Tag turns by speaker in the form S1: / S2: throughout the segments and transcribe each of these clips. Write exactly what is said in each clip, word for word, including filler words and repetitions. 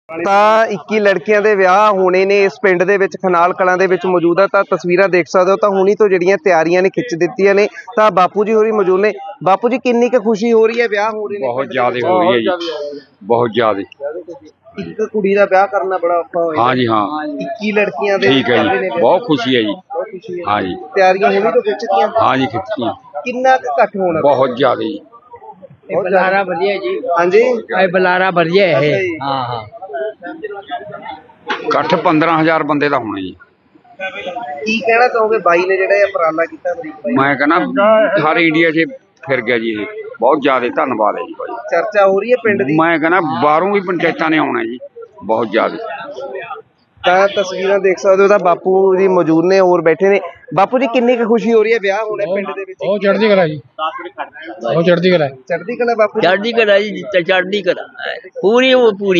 S1: ਤਾਂ ਇੱਕੀ ਲੜਕੀਆਂ ਦੇ ਵਿਆਹ ਹੋਣੇ ਨੇ ਇਸ ਪਿੰਡ ਦੇ ਵਿੱਚ ਖਨਾਲ ਕਲਾਂ ਦੇ ਵਿੱਚ ਮੌਜੂਦ ਆ। ਤਾਂ ਤਸਵੀਰਾਂ ਦੇਖ ਸਕਦੇ ਹੋ ਤਾਂ ਹੁਣੀ ਤੋਂ ਜਿਹੜੀਆਂ ਤਿਆਰੀਆਂ ਨੇ ਖਿੱਚ ਦਿੱਤੀਆਂ ਨੇ। ਤਾਂ ਬਾਪੂ ਜੀ ਹੋਰੀ ਮੌਜੂਦ ਨੇ। ਬਾਪੂ ਜੀ ਕਿੰਨੀ ਕੁ ਖੁਸ਼ੀ ਹੋ ਰਹੀ ਹੈ ਵਿਆਹ ਹੋ ਰਹੇ ਨੇ?
S2: बहुत ज्यादा हो रही है जी, बहुत ज्यादा।
S1: ਇੱਕ ਕੁੜੀ ਦਾ ਵਿਆਹ ਕਰਨਾ ਬੜਾ ਔਖਾ ਹੋਇਆ।
S2: हाँ जी हाँ,
S1: ਇੱਕੀ ਲੜਕੀਆਂ ਦੇ
S2: ठीक है
S1: ਚੱਲ ਰਹੇ ਨੇ
S2: जी,
S1: ਵਿਆਹ।
S2: बहुत खुशी है जी।
S1: ਬਹੁਤ ਖੁਸ਼ੀ ਹੈ।
S2: हाँ जी
S1: ਤਿਆਰੀਆਂ ਹੁਣੀ ਤੋਂ ਖਿੱਚਤੀਆਂ।
S2: हाँ जी, खिंचती हैं
S1: ਕਿੰਨਾ ਕੁ ਘੱਟ ਹੋਣਾ?
S2: बहुत ज्यादा जी।
S3: ਬੁਲਾਰਾ ਵਧੀਆ ਜੀ।
S1: ਹਾਂਜੀ
S3: ਇਹ ਬੁਲਾਰਾ ਵਧੀਆ ਹੈ। ਹਾਂ ਹਾਂ
S2: इकट्ठ पंद्रह हजार बंदे का होना जी।
S1: ਕੀ ਕਹਿਣਾ ਚਾਹੋਗੇ ਬਾਈ ਨੇ ਜਿਹੜਾ ਇਹ ਉਪਰਾਲਾ ਕੀਤਾ ਅਮਰੀਕ ਬਾਈ?
S2: मैं कहना सारे इंडिया से फिर गया जी, ये बहुत ज्यादा धन्यवाद है जी भाई।
S1: ਚਰਚਾ ਹੋ ਰਹੀ ਹੈ ਪਿੰਡ ਦੀ।
S2: मैं कहना बाहरों भी पंचायतों ने आना जी, बहुत ज्यादा।
S1: ਤਾਂ ਤਸਵੀਰਾਂ ਦੇਖ ਸਕਦੇ ਹੋ ਤਾਂ ਬਾਪੂ ਜੀ ਮੌਜੂਦ ਨੇ ਹੋਰ ਬੈਠੇ ਨੇ। ਬਾਪੂ ਜੀ ਕਿੰਨੀ ਕੁ ਖੁਸ਼ੀ ਹੋ ਰਹੀ ਹੈ ਵਿਆਹ ਹੋਣਾ ਪਿੰਡ ਦੇ ਵਿੱਚ?
S4: ਬਹੁਤ ਚੜ੍ਹਦੀ ਕਲਾ ਜੀ, ਬਹੁਤ ਚੜ੍ਹਦੀ ਕਲਾ।
S1: ਚੜ੍ਹਦੀ ਕਲਾ ਬਾਪੂ ਜੀ।
S3: ਚੜ੍ਹਦੀ ਕਲਾ ਜੀ, ਚੜ੍ਹਦੀ ਕਲਾ ਪੂਰੀ ਉਹ ਪੂਰੀ।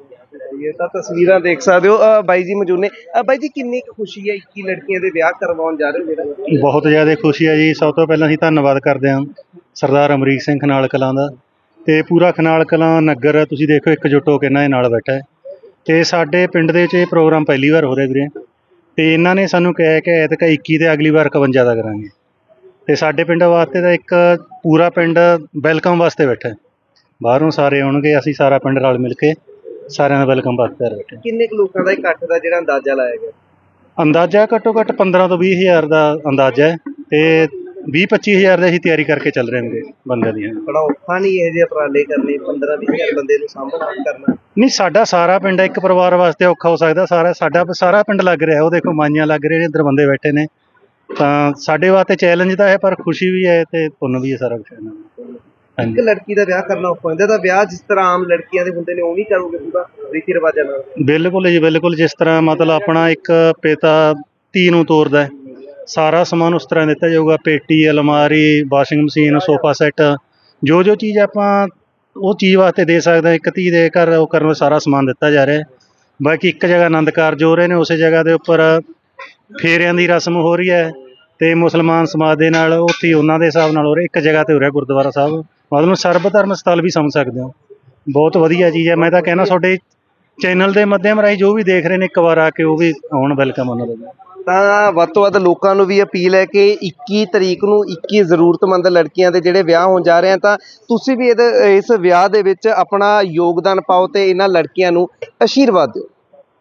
S1: ਇਹ ਤਾਂ ਤਸਵੀਰਾਂ ਦੇਖ ਸਕਦੇ ਹੋ। ਅ, ਬਾਈ ਜੀ ਮੌਜੂਦ ਨੇ। ਅ, ਬਾਈ ਜੀ ਕਿੰਨੀ ਕੁ ਖੁਸ਼ੀ ਹੈ ਇੱਕੀ ਲੜਕੀਆਂ ਦੇ ਵਿਆਹ ਕਰਵਾਉਣ ਜਾ ਰਹੇ ਹੋ ਜਿਹੜਾ?
S5: ਬਹੁਤ ਜ਼ਿਆਦਾ ਖੁਸ਼ੀ ਹੈ ਜੀ। ਸਭ ਤੋਂ ਪਹਿਲਾਂ ਅਸੀਂ ਧੰਨਵਾਦ ਕਰਦੇ ਹਾਂ ਸਰਦਾਰ ਅਮਰੀਕ ਸਿੰਘ ਖਨਾਲ ਕਲਾਂ ਦਾ ਤੇ ਪੂਰਾ ਖਨਾਲ ਕਲਾਂ ਨਗਰ। ਤੁਸੀਂ ਦੇਖੋ ਇਕਜੁੱਟ ਹੋ ਕੇ ਇਹਨਾਂ ਦੇ ਨਾਲ ਬੈਠਾ ਹੈ ਤੇ ਸਾਡੇ ਪਿੰਡ ਦੇ ਵਿੱਚ ਇਹ ਪ੍ਰੋਗਰਾਮ ਪਹਿਲੀ ਵਾਰ ਹੋ ਰਿਹਾ ਵੀਰੇ। ਤੇ ਇਹਨਾਂ ਨੇ ਸਾਨੂੰ ਕਿਹਾ ਕਿ ਐਤਕਾਂ ਇੱਕੀ ਤੇ ਅਗਲੀ ਵਾਰ ਇਕਵੰਜਾ ਦਾ ਕਰਾਂਗੇ। ਤੇ ਸਾਡੇ ਪਿੰਡ ਵਾਸਤੇ ਤਾਂ ਇੱਕ ਪੂਰਾ ਪਿੰਡ ਵੈਲਕਮ ਵਾਸਤੇ ਬੈਠਾ ਹੈ। ਬਾਹਰੋਂ ਸਾਰੇ ਆਉਣਗੇ, ਅਸੀਂ ਸਾਰਾ ਪਿੰਡ ਰਲ ਮਿਲ ਕੇ ਸਾਰਿਆਂ ਦਾ ਵੈਲਕਮ ਵਾਸਤੇ ਬੈਠੇ।
S1: ਕਿੰਨੇ ਕੁ ਲੋਕਾਂ ਦਾ ਇਕੱਠ ਦਾ ਜਿਹੜਾ ਅੰਦਾਜ਼ਾ ਲਾਇਆ ਗਿਆ?
S5: ਅੰਦਾਜ਼ਾ ਘੱਟੋ ਘੱਟ ਪੰਦਰਾਂ ਤੋਂ ਵੀਹ ਹਜ਼ਾਰ ਦਾ ਅੰਦਾਜ਼ਾ ਹੈ ਤੇ ਵੀਹ ਪੱਚੀ ਹਜ਼ਾਰ ਦੀ ਅਸੀਂ ਤਿਆਰੀ ਕਰਕੇ ਚੱਲ ਰਹੇ ਹਾਂ ਬੰਦਿਆਂ ਦੀਆਂ।
S1: ਬੜਾ ਔਖਾ ਨਹੀਂ ਇਹ ਜਿਹੇ ਉਪਰਾਲੇ ਕਰਨੇ? ਪੰਦਰਾਂ ਵੀਹ ਹਜ਼ਾਰ ਬੰਦੇ ਨੂੰ ਸਾਂਭਣਾ ਕਰਨਾ?
S5: ਨਹੀਂ, ਸਾਡਾ ਸਾਰਾ ਪਿੰਡ ਇੱਕ ਪਰਿਵਾਰ ਵਾਸਤੇ ਔਖਾ ਹੋ ਸਕਦਾ। ਸਾਰਾ ਸਾਡਾ ਸਾਰਾ ਪਿੰਡ ਲੱਗ ਰਿਹਾ। ਉਹ ਦੇਖੋ ਮਾਈਆਂ ਲੱਗ ਰਹੇ ਨੇ, ਇੱਧਰ ਬੰਦੇ ਬੈਠੇ ਨੇ। ਤਾਂ ਸਾਡੇ ਵਾਸਤੇ ਚੈਲੰਜ ਤਾਂ ਹੈ ਪਰ ਖੁਸ਼ੀ ਵੀ ਹੈ ਤੇ ਪੁੰਨ ਵੀ ਹੈ ਸਾਰਾ ਕੁਛ ਇਹਨਾਂ ਨੂੰ।
S1: ਇੱਕ ਲੜਕੀ ਦਾ ਵਿਆਹ ਕਰਨਾ ਔਖਾ ਹੁੰਦਾ ਤਾਂ ਵਿਆਹ ਜਿਸ ਤਰ੍ਹਾਂ ਆਮ ਲੜਕੀਆਂ ਦੇ ਹੁੰਦੇ ਨੇ ਉਹ ਵੀ ਕਰੋਗੇ ਪੂਰਾ ਰੀਤੀ ਰਿਵਾਜਾਂ ਨਾਲ?
S5: ਬਿਲਕੁਲ ਜੀ, ਬਿਲਕੁਲ। ਜਿਸ ਤਰ੍ਹਾਂ ਮਤਲਬ ਆਪਣਾ ਇੱਕ ਪਿਤਾ ਧੀ ਨੂੰ ਤੋਰਦਾ, ਸਾਰਾ ਸਮਾਨ ਉਸ ਤਰ੍ਹਾਂ ਦਿੱਤਾ ਜਾਊਗਾ। ਪੇਟੀ, ਅਲਮਾਰੀ, ਵਾਸ਼ਿੰਗ ਮਸ਼ੀਨ, ਸੋਫਾ ਸੈੱਟ, ਜੋ ਜੋ ਚੀਜ਼ ਆਪਾਂ ਉਹ ਚੀਜ਼ ਵਾਸਤੇ ਦੇ ਸਕਦੇ ਇੱਕ ਧੀ ਦੇ ਘਰ, ਉਹ ਕਰਨ ਸਾਰਾ ਸਮਾਨ ਦਿੱਤਾ ਜਾ ਰਿਹਾ। ਬਾਕੀ ਇੱਕ ਜਗ੍ਹਾ ਆਨੰਦ ਕਾਰਜ ਹੋ ਰਹੇ ਨੇ, ਉਸੇ ਜਗ੍ਹਾ ਦੇ ਉੱਪਰ ਫੇਰਿਆਂ ਦੀ ਰਸਮ ਹੋ ਰਹੀ ਹੈ ਤੇ ਮੁਸਲਮਾਨ ਸਮਾਜ ਦੇ ਨਾਲ ਉੱਥੇ ਉਹਨਾਂ ਦੇ ਹਿਸਾਬ ਨਾਲ ਹੋ ਰਿਹਾ। ਇੱਕ ਜਗ੍ਹਾ ਤੇ ਹੋ ਰਿਹਾ ਗੁਰਦੁਆਰਾ ਸਾਹਿਬ, ਮਤਲਬ ਸਰਬ ਧਰਮ ਸਥਲ ਵੀ ਸਮਝ ਸਕਦੇ ਹੋ। ਬਹੁਤ ਵਧੀਆ ਚੀਜ਼ ਹੈ। ਮੈਂ ਤਾਂ ਕਹਿਣਾ ਤੁਹਾਡੇ ਚੈਨਲ ਦੇ ਮਾਧਿਅਮ ਰਾਹੀਂ ਜੋ ਵੀ ਦੇਖ ਰਹੇ ਨੇ ਇੱਕ ਵਾਰ ਆ ਕੇ ਉਹ ਵੀ ਆਉਣ, ਵੈਲਕਮ ਉਹਨਾਂ ਦਾ।
S1: ਤਾਂ ਵੱਧ ਤੋਂ ਵੱਧ ਲੋਕਾਂ ਨੂੰ ਵੀ ਅਪੀਲ ਹੈ ਕਿ ਇੱਕੀ ਤਰੀਕ ਨੂੰ ਇੱਕੀ ਜ਼ਰੂਰਤਮੰਦ ਲੜਕੀਆਂ ਦੇ ਜਿਹੜੇ ਵਿਆਹ ਹੋਣ ਜਾ ਰਹੇ ਆ ਤਾਂ ਤੁਸੀਂ ਵੀ ਇਹਦੇ ਇਸ ਵਿਆਹ ਦੇ ਵਿੱਚ ਆਪਣਾ ਯੋਗਦਾਨ ਪਾਓ ਤੇ ਇਹਨਾਂ ਲੜਕੀਆਂ ਨੂੰ ਆਸ਼ੀਰਵਾਦ ਦਿਓ।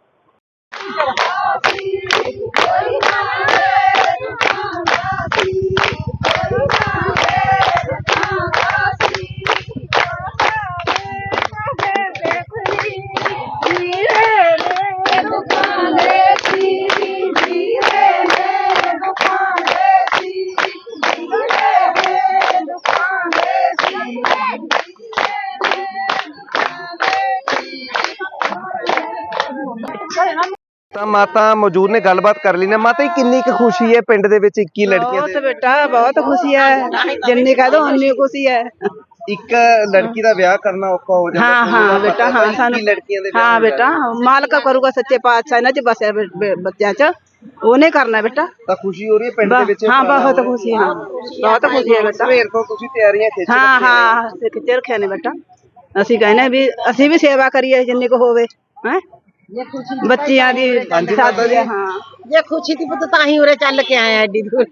S1: ਤਾਂ ਮਾਤਾ ਮੌਜੂਦ ਨੇ, ਗੱਲਬਾਤ ਕਰ ਲਈ ਨੇ। ਮਾਤਾ ਜੀ ਕਿੰਨੀ ਕੁ ਖੁਸ਼ੀ ਹੈ ਪਿੰਡ ਦੇ ਵਿੱਚ ਇੱਕੀ ਲੜਕੀਆਂ
S6: ਬਹੁਤ ਬੇਟਾ ਬਹੁਤ ਖੁਸ਼ੀ ਹੈ। ਜਿੰਨੀ ਕਹਿ ਦੋ ਉਨੀ ਖੁਸ਼ੀ ਹੈ।
S1: ਇੱਕ ਲੜਕੀ ਦਾ ਵਿਆਹ ਕਰਨਾ ਔਖਾ ਹੋ ਜਾਂਦਾ?
S6: ਹਾਂ ਹਾਂ ਬੇਟਾ, ਹਾਂ ਸਾਨੂੰ
S1: ਲੜਕੀਆਂ ਦੇ ਵਿਆਹ
S6: ਹਾਂ
S1: ਹੋਣ ਜਾ
S6: ਬੇਟਾ, ਮਾਲਕ ਕਰੂਗਾ ਸੱਚੇ ਪਾਤਸ਼ਾਹ ਇਹਨਾਂ ਚ ਬਸਿਆ ਬੱਚਿਆਂ ਚ, ਉਹਨੇ ਕਰਨਾ ਬੇਟਾ।
S1: ਤਾਂ ਖੁਸ਼ੀ ਹੋ ਰਹੀ ਹੈ ਪਿੰਡ ਦੇ ਵਿੱਚ?
S6: ਹਾਂ ਬਹੁਤ ਖੁਸ਼ੀ, ਹਾਂ ਬਹੁਤ ਖੁਸ਼ੀ ਹੈ ਬੇਟਾ।
S1: ਸਵੇਰ ਤੋਂ ਤੁਸੀਂ ਤਿਆਰੀਆਂ ਖਿੱਚ
S6: ਹਾਂ ਹਾਂ ਖਿੱਚੇ ਰੱਖਿਆ ਨੇ ਬੇਟਾ। ਅਸੀਂ ਕਹਿੰਦੇ ਵੀ ਅਸੀਂ ਵੀ ਸੇਵਾ ਕਰੀਏ ਜਿੰਨੀ ਕੁ ਹੋਵੇ ਹੈ ਬੱਚਿਆਂ ਦੀ। ਹਾਂ
S7: ਜੇ ਖੁਸ਼ੀ ਦੀ ਪੁੱਤ ਤਾਂ ਹੀ ਉਰੇ ਚੱਲ ਕੇ ਆਏ ਐਡੀ ਦੂਰ।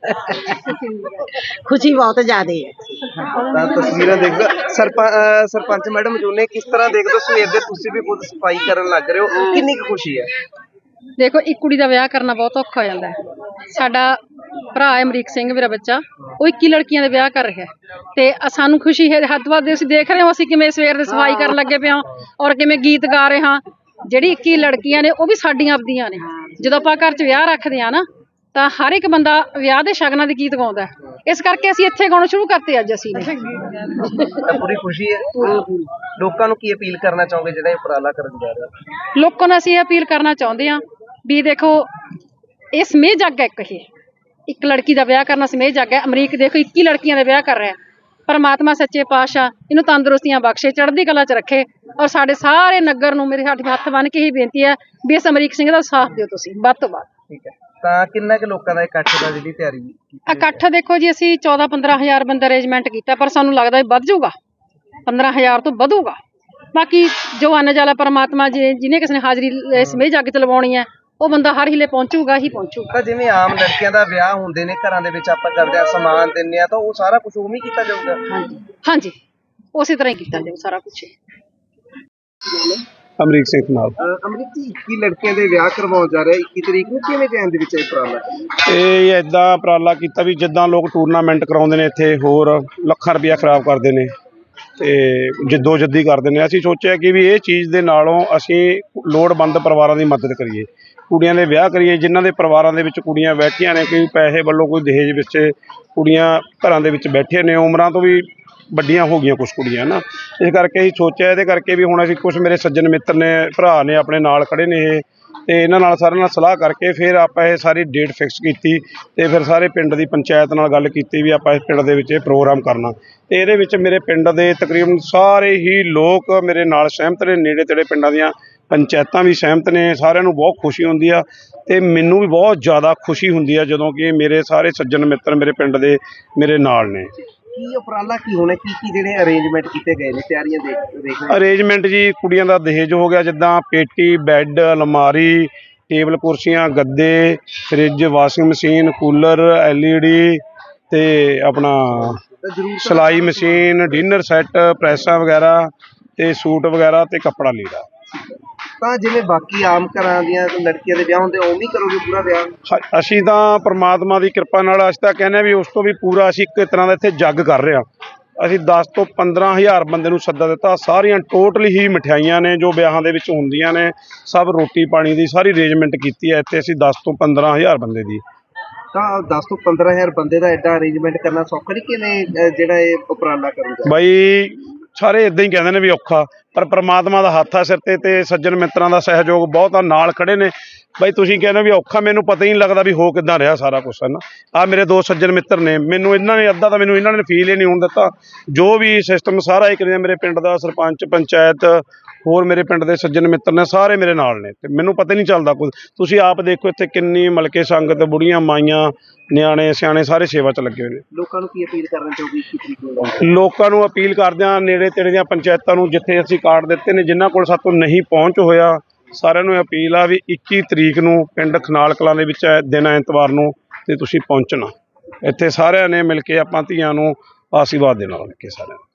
S7: ਖੁਸ਼ੀ ਬਹੁਤ ਜ਼ਿਆਦਾ ਹੈ।
S1: ਤਾਂ ਤਸਵੀਰਾਂ ਦੇਖਦੇ ਸਰਪੰਚ ਸਰਪੰਚ ਮੈਡਮ ਜੋ ਨੇ, ਕਿਸ ਤਰ੍ਹਾਂ ਦੇਖਦੇ ਹੋ ਸਵੇਰ ਦੇ ਤੁਸੀਂ ਵੀ ਖੁਦ ਸਫਾਈ ਕਰਨ ਲੱਗ ਰਹੇ ਹੋ, ਕਿੰਨੀ ਕੁ ਖੁਸ਼ੀ ਹੈ?
S8: ਦੇਖੋ ਇੱਕ ਕੁੜੀ ਦਾ ਵਿਆਹ ਕਰਨਾ ਬਹੁਤ ਔਖਾ ਹੋ ਜਾਂਦਾ ਹੈ। ਸਾਡਾ ਭਰਾ ਹੈ ਅਮਰੀਕ ਸਿੰਘ, ਮੇਰਾ ਬੱਚਾ, ਉਹ ਇੱਕੀ ਲੜਕੀਆਂ ਦੇ ਵਿਆਹ ਕਰ ਰਿਹਾ ਤੇ ਸਾਨੂੰ ਖੁਸ਼ੀ ਹੈ ਹੱਦ ਵੱਧ। ਅਸੀਂ ਦੇਖ ਰਹੇ ਹਾਂ ਅਸੀਂ ਕਿਵੇਂ ਸਵੇਰ ਦੇ ਸਫਾਈ ਕਰਨ ਲੱਗੇ ਪਏ ਹਾਂ ਔਰ ਕਿਵੇਂ ਗੀਤ ਗਾ ਰਹੇ ਹਾਂ। ਜਿਹੜੀ ਇੱਕੀ ਲੜਕੀਆਂ ਨੇ ਉਹ ਵੀ ਸਾਡੀਆਂ ਆਪਦੀਆਂ ਨੇ। ਜਦੋਂ ਆਪਾਂ ਘਰ 'ਚ ਵਿਆਹ ਰੱਖਦੇ ਹਾਂ ਨਾ ਤਾਂ ਹਰ ਇੱਕ ਬੰਦਾ ਵਿਆਹ ਦੇ ਸ਼ਗਨਾਂ ਦੇ ਗੀਤ ਗਾਉਂਦਾ, ਇਸ ਕਰਕੇ ਅਸੀਂ ਇੱਥੇ ਗਾਉਣਾ ਸ਼ੁਰੂ ਕਰਤੇ ਅੱਜ ਅਸੀਂ ਨੇ।
S1: ਪੂਰੀ ਖੁਸ਼ੀ ਹੈ। ਲੋਕਾਂ ਨੂੰ ਕੀ ਅਪੀਲ ਕਰਨਾ ਚਾਹੋਗੇ ਜਿਹੜਾ ਇਹ ਉਪਰਾਲਾ ਕਰਨ ਜਾ ਰਹੇ ਹੋ?
S8: ਲੋਕਾਂ ਨੂੰ ਅਸੀਂ ਇਹ ਅਪੀਲ ਕਰਨਾ ਚਾਹੁੰਦੇ ਹਾਂ ਵੀ ਦੇਖੋ ਇਹ ਸਮੇਂ ਜੱਗ ਹੈ। ਇੱਕ ਇਹ ਇੱਕ ਲੜਕੀ ਦਾ ਵਿਆਹ ਕਰਨਾ ਸਮੇਂ ਜੱਗ ਹੈ। ਅਮਰੀਕ ਦੇਖੋ ਇੱਕੀ ਲੜਕੀਆਂ ਦਾ ਵਿਆਹ ਕਰ ਰਿਹਾ। ਪਰਮਾਤਮਾ ਸੱਚੇ ਪਾਤਸ਼ਾਹ ਇਹਨੂੰ ਤੰਦਰੁਸਤੀਆਂ ਬਖਸ਼ੇ, ਚੜ੍ਹਦੀ ਕਲਾ 'ਚ ਰੱਖੇ ਔਰ ਸਾਡੇ ਸਾਰੇ ਨਗਰ ਨੂੰ ਮੇਰੇ ਸਾਡੇ ਹੱਥ ਬੰਨ੍ਹ ਕੇ ਹੀ ਬੇਨਤੀ ਹੈ ਵੀ ਇਸ ਅਮਰੀਕ ਸਿੰਘ ਦਾ ਸਾਥ ਦਿਓ ਤੁਸੀਂ ਵੱਧ ਤੋਂ ਵੱਧ।
S1: ਠੀਕ ਹੈ। ਤਾਂ ਕਿੰਨਾ ਕੁ ਲੋਕਾਂ ਦਾ ਇਕੱਠ ਦਾ ਜਿਹੜੀ ਤਿਆਰੀ?
S8: ਇਕੱਠ ਦੇਖੋ ਜੀ ਅਸੀਂ ਚੌਦਾਂ ਪੰਦਰਾਂ ਹਜ਼ਾਰ ਬੰਦਾ ਅਰੇਂਜਮੈਂਟ ਕੀਤਾ ਪਰ ਸਾਨੂੰ ਲੱਗਦਾ ਵੱਧ ਜਾਊਗਾ, ਪੰਦਰਾਂ ਹਜ਼ਾਰ ਤੋਂ ਵਧੂਗਾ। ਬਾਕੀ ਜੋ ਅੰਨ ਜਲ ਪਰਮਾਤਮਾ ਜੀ ਜਿਹਨੇ ਕਿਸੇ ਨੇ ਹਾਜ਼ਰੀ ਇਸ ਮੇਂ ਜੱਗ ਚ ਲਵਾਉਣੀ ਹੈ ਉਹ ਬੰਦਾ ਹਰ ਹਿਲੇ ਪਹੁੰਚੂਗਾ ਹੀ ਪਹੁੰਚੂਗਾ।
S1: ਤਾਂ ਜਿਵੇਂ ਆਮ ਲੜਕੀਆਂ ਦਾ ਵਿਆਹ ਹੁੰਦੇ ਨੇ ਘਰਾਂ ਦੇ ਵਿੱਚ ਆਪਾਂ ਕਰਦੇ ਆ ਸਮਾਨ ਦਿੰਨੇ ਆ ਤਾਂ ਉਹ ਸਾਰਾ ਕੁਝ ਉਵੇਂ ਹੀ ਕੀਤਾ ਜਾਊਗਾ।
S8: ਹਾਂਜੀ ਹਾਂਜੀ ਉਸੇ ਤਰ੍ਹਾਂ ਹੀ ਕੀਤਾ ਜਾਊ ਸਾਰਾ ਕੁਝ।
S5: ਅਮਰੀਕ ਸਿੰਘ ਨਾਲ
S1: ਅਮਰੀਕ ਜੀ ਇੱਕੀ ਲੜਕੀਆਂ ਦੇ ਵਿਆਹ ਕਰਵਾਉਣ ਜਾ ਰਿਹਾ ਇੱਕੀ ਤਰੀਕ ਨੂੰ, ਕਿਵੇਂ ਜੈਨ ਦੇ ਵਿੱਚ ਇਹ ਉਪਰਾਲਾ?
S5: ਇਹ ਇਦਾਂ ਉਪਰਾਲਾ ਕੀਤਾ ਵੀ ਜਿੱਦਾਂ ਲੋਕ ਟੂਰਨਾਮੈਂਟ ਕਰਾਉਂਦੇ ਨੇ ਇੱਥੇ ਹੋਰ ਲੱਖਾਂ ਰੁਪਇਆ ਖਰਾਬ ਕਰਦੇ ਨੇ ਤੇ ਜਿੱਦੋ ਜੱਦੀ ਕਰਦੇ ਨੇ, ਅਸੀਂ ਸੋਚਿਆ ਕਿ ਵੀ ਇਹ ਚੀਜ਼ ਦੇ ਨਾਲੋਂ ਅਸੀਂ ਲੋੜਵੰਦ ਪਰਿਵਾਰਾਂ ਦੀ ਮਦਦ ਕਰੀਏ, ਕੁੜੀਆਂ ਦੇ ਵਿਆਹ ਕਰੀਏ ਜਿਨ੍ਹਾਂ ਦੇ ਪਰਿਵਾਰਾਂ ਦੇ ਵਿੱਚ ਕੁੜੀਆਂ ਬੈਠੀਆਂ ਨੇ, ਕੋਈ ਪੈਸੇ ਵੱਲੋਂ ਕੋਈ ਦਹੇਜ ਵਿੱਚ ਕੁੜੀਆਂ ਘਰਾਂ ਦੇ ਵਿੱਚ ਬੈਠੇ ਨੇ, ਉਮਰਾਂ ਤੋਂ ਵੀ ਵੱਡੀਆਂ ਹੋ ਗਈਆਂ ਕੁਛ ਕੁੜੀਆਂ ਨਾ, ਇਸ ਕਰਕੇ ਅਸੀਂ ਸੋਚਿਆ ਇਹਦੇ ਕਰਕੇ ਵੀ ਹੁਣ ਅਸੀਂ ਕੁਛ ਮੇਰੇ ਸੱਜਣ ਮਿੱਤਰ ਨੇ ਭਰਾ ਨੇ ਆਪਣੇ ਨਾਲ ਖੜੇ ਨੇ ਇਹ ਤੇ ਇਹਨਾਂ ਨਾਲ ਸਾਰਿਆਂ ਨਾਲ ਸਲਾਹ ਕਰਕੇ ਫਿਰ ਆਪਾਂ ਇਹ ਸਾਰੀ ਡੇਟ ਫਿਕਸ ਕੀਤੀ ਤੇ ਫਿਰ ਸਾਰੇ ਪਿੰਡ ਦੀ ਪੰਚਾਇਤ ਨਾਲ ਗੱਲ ਕੀਤੀ ਵੀ ਆਪਾਂ ਇਸ ਪਿੰਡ ਦੇ ਵਿੱਚ ਇਹ ਪ੍ਰੋਗਰਾਮ ਕਰਨਾ ਤੇ ਇਹਦੇ ਵਿੱਚ ਮੇਰੇ ਪਿੰਡ ਦੇ ਤਕਰੀਬਨ ਸਾਰੇ ਹੀ ਲੋਕ ਮੇਰੇ ਨਾਲ ਸਹਿਮਤ ਨੇ, ਨੇੜੇ ਤੇੜੇ ਪਿੰਡਾਂ ਦੀਆਂ ਪੰਚਾਇਤਾਂ ਵੀ ਸਹਿਮਤ ਨੇ, ਸਾਰਿਆਂ ਨੂੰ ਬਹੁਤ ਖੁਸ਼ੀ ਹੁੰਦੀ ਆ ਤੇ ਮੈਨੂੰ ਵੀ ਬਹੁਤ ਜ਼ਿਆਦਾ ਖੁਸ਼ੀ ਹੁੰਦੀ ਆ ਜਦੋਂ ਕਿ ਮੇਰੇ ਸਾਰੇ ਸੱਜਣ ਮਿੱਤਰ ਮੇਰੇ ਪਿੰਡ ਦੇ ਮੇਰੇ ਨਾਲ ਨੇ।
S1: ਕੀ ਉਪਰਾਲਾ ਕੀ ਹੋਣਾ, ਕੀ ਕੀ ਜਿਹੜੇ ਅਰੇਂਜਮੈਂਟ ਕੀਤੇ ਗਏ ਨੇ ਤਿਆਰੀਆਂ ਦੇਖ ਦੇਖ
S5: ਅਰੇਂਜਮੈਂਟ ਜੀ ਕੁੜੀਆਂ ਦਾ ਦਹੇਜ ਹੋ ਗਿਆ ਜਿੱਦਾਂ ਪੇਟੀ ਬੈੱਡ ਅਲਮਾਰੀ ਟੇਬਲ ਕੁਰਸੀਆਂ ਗੱਦੇ fridge washing machine cooler L E D ਤੇ ਆਪਣਾ ਸਿਲਾਈ ਮਸ਼ੀਨ ਡਿਨਰ ਸੈੱਟ ਪ੍ਰੈਸਾਂ ਵਗੈਰਾ ਤੇ ਸੂਟ ਵਗੈਰਾ ਤੇ ਕੱਪੜਾ ਲੀੜਾ।
S1: ਤਾਂ ਜਿਵੇਂ ਬਾਕੀ ਆਮ ਘਰਾਂ ਦੀਆਂ ਲੜਕੀਆਂ ਦੇ ਵਿਆਹ ਹੁੰਦੇ ਉਵੇਂ ਹੀ ਕਰੋਗੇ ਪੂਰਾ ਵਿਆਹ?
S5: ਹ- ਅਸੀਂ ਤਾਂ ਪ੍ਰਮਾਤਮਾ ਦੀ ਕਿਰਪਾ ਨਾਲ ਅਸੀਂ ਤਾਂ ਕਹਿੰਦੇ ਹਾਂ ਵੀ ਉਸ ਤੋਂ ਵੀ ਪੂਰਾ ਅਸੀਂ ਇੱਕ ਤਰ੍ਹਾਂ ਦਾ ਇੱਥੇ ਜੱਗ ਕਰ ਰਹੇ ਹਾਂ। ਅਸੀਂ ਦਸ ਤੋਂ ਪੰਦਰਾਂ ਹਜ਼ਾਰ ਬੰਦੇ ਨੂੰ ਸੱਦਾ ਦਿੱਤਾ, ਸਾਰੀਆਂ ਟੋਟਲੀ ਹੀ ਮਠਿਆਈਆਂ ਨੇ ਜੋ ਵਿਆਹਾਂ ਦੇ ਵਿੱਚ ਹੁੰਦੀਆਂ ਨੇ, ਸਭ ਰੋਟੀ ਪਾਣੀ ਦੀ ਸਾਰੀ ਅਰੇਂਜਮੈਂਟ ਕੀਤੀ ਹੈ ਇੱਥੇ ਅਸੀਂ ਦਸ ਤੋਂ ਪੰਦਰਾਂ ਹਜ਼ਾਰ ਬੰਦੇ ਦੀ।
S1: ਤਾਂ ਦਸ ਤੋਂ ਪੰਦਰਾਂ ਹਜ਼ਾਰ ਬੰਦੇ ਦਾ ਐਡਾ ਅਰੇਂਜਮੈਂਟ ਕਰਨਾ ਸੌਖਾ ਨਹੀਂ, ਕਿਵੇਂ ਅਹ, ਜਿਹੜਾ ਇਹ ਉਪਰਾਲਾ ਕਰੂਗਾ?
S5: ਬਾਈ ਸਾਰੇ ਇਦਾਂ ਹੀ ਕਹਿੰਦੇ ਨੇ ਵੀ ਔਖਾ, ਪਰ ਪ੍ਰਮਾਤਮਾ ਦਾ ਹੱਥ ਆ ਸਿਰ ਤੇ ਤੇ ਸੱਜਣ ਮਿੱਤਰਾਂ ਦਾ ਸਹਿਯੋਗ ਬਹੁਤ ਆ, ਨਾਲ ਖੜੇ ਨੇ। ਬਾਈ ਤੁਸੀਂ ਕਹਿੰਦੇ ਵੀ ਔਖਾ, ਮੈਨੂੰ ਪਤਾ ਹੀ ਨਹੀਂ ਲੱਗਦਾ ਵੀ ਹੋ ਕਿੱਦਾਂ ਰਿਹਾ ਸਾਰਾ ਕੁਛ ਹੈ ਨਾ। ਆ ਮੇਰੇ ਦੋ ਸੱਜਣ ਮਿੱਤਰ ਨੇ, ਮੈਨੂੰ ਇਹਨਾਂ ਨੇ ਅੱਧਾ ਤਾਂ ਮੈਨੂੰ ਇਹਨਾਂ ਨੇ ਫੀਲ ਹੀ ਨਹੀਂ ਹੋਣ ਦਿੱਤਾ, ਜੋ ਵੀ ਸਿਸਟਮ ਸਾਰਾ ਹੀ ਕਰਿਆ ਮੇਰੇ ਪਿੰਡ ਦਾ ਸਰਪੰਚ ਪੰਚਾਇਤ ਹੋਰ ਮੇਰੇ ਪਿੰਡ ਦੇ ਸੱਜਣ ਮਿੱਤਰ ਨੇ ਸਾਰੇ ਮੇਰੇ ਨਾਲ ਨੇ ਤੇ ਮੈਨੂੰ ਪਤਾ ਹੀ ਨਹੀਂ ਚੱਲਦਾ ਕੁਝ। ਤੁਸੀਂ ਆਪ ਦੇਖੋ ਇੱਥੇ ਕਿੰਨੀ ਮਲਕੇ ਸੰਗਤ ਬੁੜੀਆਂ ਮਾਈਆਂ ਨਿਆਣੇ ਸਿਆਣੇ ਸਾਰੇ ਸੇਵਾ 'ਚ ਲੱਗੇ ਹੋਏ ਨੇ।
S1: ਲੋਕਾਂ ਨੂੰ ਕੀ ਅਪੀਲ ਕਰਨਾ ਚਾਹੋਗੇ ਇੱਕੀ ਤਰੀਕ ਨੂੰ?
S5: ਲੋਕਾਂ ਨੂੰ ਅਪੀਲ ਕਰਦੇ ਹਾਂ ਨੇੜੇ ਤੇੜੇ ਦੀਆਂ ਪੰਚਾਇਤਾਂ ਨੂੰ ਜਿੱਥੇ ਅਸੀਂ ਕਾਰਡ ਦਿੱਤੇ ਨੇ ਜਿਨ੍ਹਾਂ ਕੋਲ ਸਾਤੋਂ ਨਹੀਂ ਪਹੁੰਚ ਹੋਇਆ, ਸਾਰਿਆਂ ਨੂੰ ਅਪੀਲ ਆ ਵੀ ਇੱਕੀ ਤਰੀਕ ਨੂੰ ਪਿੰਡ ਖਨਾਲ ਕਲਾਂ ਦੇ ਵਿੱਚ ਹੈ ਦਿਨ ਐਤਵਾਰ ਨੂੰ ਤੇ ਤੁਸੀਂ ਪਹੁੰਚਣਾ। ਇੱਥੇ ਸਾਰਿਆਂ ਨੇ ਮਿਲ ਕੇ ਆਪਾਂ ਧੀਆਂ ਨੂੰ ਆਸ਼ੀਰਵਾਦ ਦੇਣਾ ਮਿਲ ਕੇ ਸਾਰਿਆਂ ਨੂੰ।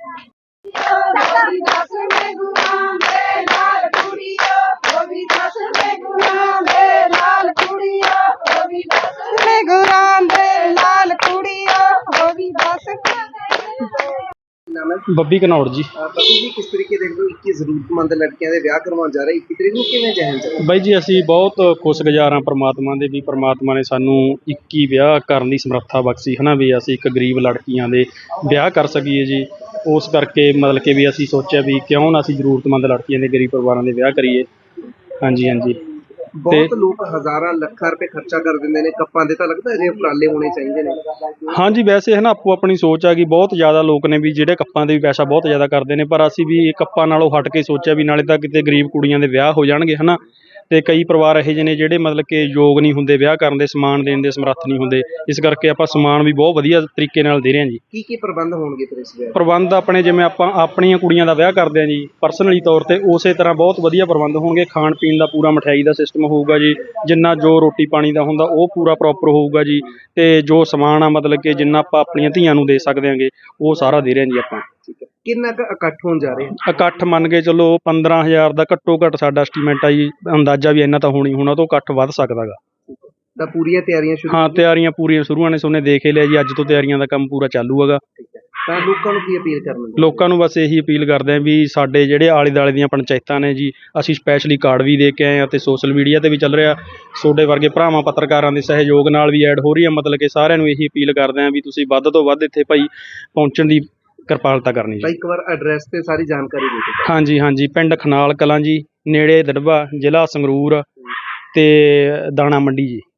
S4: ਬੱਬੀ ਘਨੌੜ ਜੀ।
S1: ਬੱਬੀ ਜੀ ਕਿਸ ਤਰੀਕੇ ਦੇਖਦੇ ਹੋ ਇੱਕੀ ਜ਼ਰੂਰਤਮੰਦ ਲੜਕੀਆਂ ਦੇ ਵਿਆਹ ਕਰਵਾਉਣ ਜਾ ਰਹੇ ਇੱਕੀ ਤਰੀਕ ਨੂੰ, ਕਿਵੇਂ ਜਹਨ ਚ?
S4: ਬਾਈ ਜੀ ਅਸੀਂ ਬਹੁਤ ਖੁਸ਼ਗੁਜ਼ਾਰ ਹਾਂ ਪ੍ਰਮਾਤਮਾ ਦੇ ਵੀ ਪ੍ਰਮਾਤਮਾ ਨੇ ਸਾਨੂੰ ਇੱਕੀ ਵਿਆਹ ਕਰਨ ਦੀ ਸਮਰੱਥਾ ਬਖਸ਼ੀ ਹੈ ਨਾ, ਵੀ ਅਸੀਂ ਇੱਕ ਗਰੀਬ ਲੜਕੀਆਂ ਦੇ ਵਿਆਹ ਕਰ ਸਕੀਏ ਜੀ। ਉਸ ਕਰਕੇ ਮਤਲਬ ਕਿ ਵੀ ਅਸੀਂ ਸੋਚਿਆ ਵੀ ਕਿਉਂ ਨਾ ਅਸੀਂ ਜ਼ਰੂਰਤਮੰਦ ਲੜਕੀਆਂ ਦੇ ਗਰੀਬ ਪਰਿਵਾਰਾਂ ਦੇ ਵਿਆਹ ਕਰੀਏ। ਹਾਂਜੀ ਹਾਂਜੀ
S1: ਬਹੁਤ ਲੋਕ ਹਜ਼ਾਰਾਂ ਲੱਖਾਂ ਰੁਪਏ ਖਰਚਾ ਕਰ ਦਿੰਦੇ ਨੇ ਕੱਪਾਂ ਦੇ, ਤਾਂ ਲੱਗਦਾ ਅਜੇ ਉਪਰਾਲੇ ਹੋਣੇ ਚਾਹੀਦੇ ਨੇ?
S4: ਹਾਂਜੀ ਵੈਸੇ ਹੈ ਨਾ ਆਪੋ ਆਪਣੀ ਸੋਚ ਆ ਗਈ, ਬਹੁਤ ਜ਼ਿਆਦਾ ਲੋਕ ਨੇ ਵੀ ਜਿਹੜੇ ਕੱਪਾਂ ਦੇ ਵੀ ਪੈਸਾ ਬਹੁਤ ਜ਼ਿਆਦਾ ਕਰਦੇ ਨੇ, ਪਰ ਅਸੀਂ ਵੀ ਇਹ ਕੱਪਾਂ ਨਾਲੋਂ ਹਟ ਕੇ ਸੋਚਿਆ ਵੀ ਨਾਲੇ ਤਾਂ ਕਿਤੇ ਗਰੀਬ ਕੁੜੀਆਂ ਦੇ ਵਿਆਹ ਹੋ ਜਾਣਗੇ ਹੈ ਨਾ, ਤੇ ਕਈ ਪਰਿਵਾਰ ਇਹੋ ਜਿਹੇ ਨੇ ਜਿਹੜੇ ਮਤਲਬ ਕਿ ਯੋਗ ਨਹੀਂ ਹੁੰਦੇ ਵਿਆਹ ਕਰਨ ਦੇ, ਸਮਾਨ ਦੇਣ ਦੇ ਸਮਰੱਥ ਨਹੀਂ ਹੁੰਦੇ, ਇਸ ਕਰਕੇ ਆਪਾਂ ਸਮਾਨ ਵੀ ਬਹੁਤ ਵਧੀਆ ਤਰੀਕੇ ਨਾਲ ਦੇ ਰਹੇ ਹਾਂ ਜੀ।
S1: ਕੀ ਕੀ ਪ੍ਰਬੰਧ ਹੋਣਗੇ ਫਿਰ ਇਸ ਵਿਆਹ?
S4: ਪ੍ਰਬੰਧ ਆਪਣੇ ਜਿਵੇਂ ਆਪਾਂ ਆਪਣੀਆਂ ਕੁੜੀਆਂ ਦਾ ਵਿਆਹ ਕਰਦੇ ਹਾਂ ਜੀ ਪਰਸਨਲੀ ਤੌਰ ਤੇ, ਉਸੇ ਤਰ੍ਹਾਂ ਬਹੁਤ ਵਧੀਆ ਪ੍ਰਬੰਧ ਹੋਣਗੇ। ਖਾਣ ਪੀਣ ਦਾ ਪੂਰਾ ਮਠਿਆਈ ਦਾ ਸਿਸਟਮ ਹੋਊਗਾ ਜੀ, ਜਿੰਨਾ ਜੋ ਰੋਟੀ ਪਾਣੀ ਦਾ ਹੁੰਦਾ ਉਹ ਪੂਰਾ ਪ੍ਰੋਪਰ ਹੋਊਗਾ ਜੀ, ਤੇ ਜੋ ਸਮਾਨ ਆ ਮਤਲਬ ਕਿ ਜਿੰਨਾ ਆਪਾਂ ਆਪਣੀਆਂ ਧੀਆਂ ਨੂੰ ਦੇ ਸਕਦੇ ਹਾਂਗੇ ਉਹ ਸਾਰਾ ਦੇ ਰਹੇ ਹਾਂ ਜੀ ਆਪਾਂ।
S1: ਕਿੰਨਾ ਕੁ ਇਕੱਠ ਹੋਣ ਜਾ ਰਹੇ?
S4: ਇਕੱਠ ਮੰਨ ਕੇ ਚਲੋ ਪੰਦਰਾਂ ਹਜ਼ਾਰ ਦਾ ਘੱਟੋ ਘੱਟ ਸਾਡਾ ਐਸਟੀਮੇਟ ਆ ਜੀ, ਅੰਦਾਜ਼ਾ ਵੀ ਇੰਨਾ ਤਾਂ ਹੋਣੀ ਹੋਣਾ, ਤੋਂ ਘੱਟ ਵੱਧ ਸਕਦਾ ਗਾ।
S1: ਤਾਂ ਪੂਰੀਆਂ ਤਿਆਰੀਆਂ ਸ਼ੁਰੂ?
S4: ਹਾਂ ਤਿਆਰੀਆਂ ਪੂਰੀਆਂ ਸ਼ੁਰੂ ਨੇ, ਸੋਨੇ ਦੇਖ ਹੀ ਲਿਆ ਜੀ, ਅੱਜ ਤੋਂ ਤਿਆਰੀਆਂ ਦਾ ਕੰਮ ਪੂਰਾ ਚਾਲੂ ਹੈਗਾ।
S1: ਤਾਂ ਲੋਕਾਂ ਨੂੰ ਕੀ ਅਪੀਲ ਕਰਨੀ?
S4: ਲੋਕਾਂ ਨੂੰ ਬਸ ਇਹੀ ਅਪੀਲ ਕਰਦੇ ਹਾਂ ਵੀ ਸਾਡੇ ਜਿਹੜੇ ਆਲੇ ਦੁਆਲੇ ਦੀਆਂ ਪੰਚਾਇਤਾਂ ਨੇ ਜੀ, ਅਸੀਂ ਸਪੈਸ਼ਲੀ ਕਾਰਡ ਵੀ ਦੇ ਕੇ ਆਏ ਹਾਂ ਤੇ ਸੋਸ਼ਲ ਮੀਡੀਆ ਤੇ ਵੀ ਚੱਲ ਰਿਹਾ, ਤੁਹਾਡੇ ਵਰਗੇ ਭਰਾਵਾਂ ਪੱਤਰਕਾਰਾਂ ਦੇ ਸਹਿਯੋਗ ਨਾਲ ਵੀ ਐਡ ਹੋ ਰਹੀ ਹੈ। ਮਤਲਬ ਕਿ ਸਾਰਿਆਂ ਨੂੰ ਇਹੀ ਅਪੀਲ ਕਰਦੇ ਹਾਂ ਵੀ ਤੁਸੀਂ ਵੱਧ ਤੋਂ ਵੱਧ ਇੱਥੇ ਭਾਈ ਪਹੁੰਚਣ ਦੀ ਕਿਰਪਾਲਤਾ ਕਰਨੀ
S1: ਤਾਂ
S4: ਜੀ।
S1: ਇੱਕ ਵਾਰ ਐਡਰੈਸ ਤੇ ਸਾਰੀ ਜਾਣਕਾਰੀ ਦੇ ਦਿਓ।
S4: ਹਾਂਜੀ ਹਾਂਜੀ ਪਿੰਡ ਖਨਾਲ ਕਲਾਂ ਜੀ, ਨੇੜੇ ਦੜਬਾ, ਜ਼ਿਲ੍ਹਾ ਸੰਗਰੂਰ ਤੇ ਦਾਣਾ ਮੰਡੀ ਜੀ।